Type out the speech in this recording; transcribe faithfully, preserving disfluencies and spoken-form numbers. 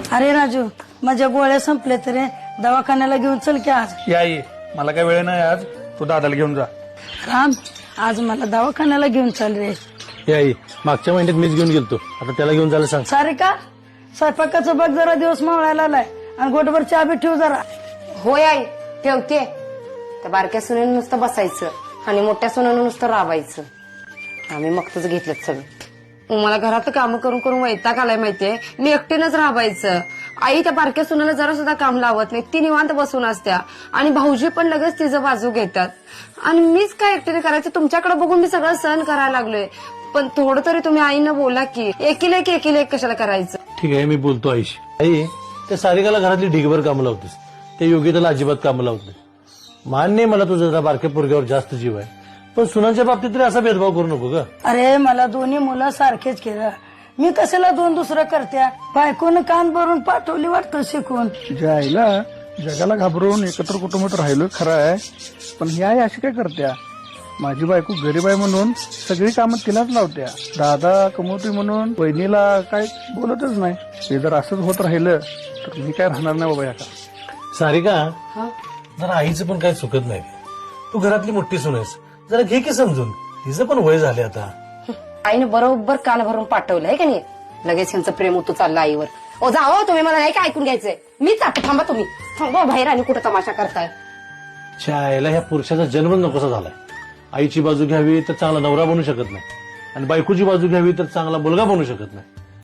अरे राजू, माझ्या गोळ्या संपल्या तरी दवाखान्याला घेऊन चल की आज. या ये, मला काय वेळ नाही आज, तू दादाला घेऊन जा. राम, आज मला दवाखान्याला घेऊन चल रे. हे आई, मागच्या महिन्यात मीच घेऊन गेलतो, आता त्याला घेऊन जायला सांग. सारे का स्वयंपाकाचं बघ, जरा दिवस मावळायला आलाय आणि गोटभर चहा बी ठेव जरा. होय आई, ठेवते. त्या बारक्या सुनेनं नुसतं बसायचं आणि मोठ्या सुनेनं नुसतं राबायचं. आम्ही मगतच घेतलं सगळं. मला घरात काम करून करून वैताग आलाय माहितीये. मी एकटीनंच राबायचं. आई त्या बारक्या सुनेला जरा सुद्धा काम लावत नाही, ती निवांत बसून असत्या आणि भाऊजी पण लगेच तिचं बाजू घेतात आणि मीच काय एकटीने करायचं. तुमच्याकडे बघून मी सगळं सहन करायला लागलोय, पण थोडं तरी तुम्ही आईनं बोला की एकीला एक एकीला एक कशाला करायचं. ठीक आहे, मी बोलतो आईशी. आई, त्या सारिकाला घरातली ढिगभर कामं लावतेस, त्या योगिताला अजिबात कामं लावत नाही. मान्य मला तुझं जरा बारक्या पोरग्यावर जास्त जीव आहे, पण सुनांच्या बाबतीत तरी असा भेदभाव करू नको ग. अरे मला दोन्ही मुलं सारखेच केलं, मी कशाला दोन दुसरं करत्या. बायकोनं कान भरून पाठवली वाटतं शिकून. तुझ्या आईला जगाला घाबरून एकत्र कुटुंबात राहिलो खरं आहे, पण ही आई अशी काय करत्या. माझी बायको गरीब आहे म्हणून सगळी कामं तिलाच लावत्या. दादा कमवतोय म्हणून बहिणीला काय बोलतच नाही. हे जर असंच होत राहिलं तर मी काय राहणार नाही बाबा. या का सारिका, जरा आईचं पण काय चुकत नाही. तू घरातली मोठी सून आहेस, जरा घे की समजून. तिचं पण वय झाले आता. आईने बरोबर कान भरून पाठवलंय का नाही. लगेच यांचं प्रेम उतू चाललं आईवर. ओ जाओ, तुम्ही मला नाही काय ऐकून घ्यायचंय. मी जातो, थांबा तुम्ही. थांबा बाहेर आणि कुठं तमाशा करताय. आईला ह्या पुरुषाचा जन्मच नकोसा झालाय. आईची बाजू घ्यावी तर चांगला नवरा बनू शकत नाही आणि बायकोची बाजू घ्यावी तर चांगला मुलगा बनू शकत नाही.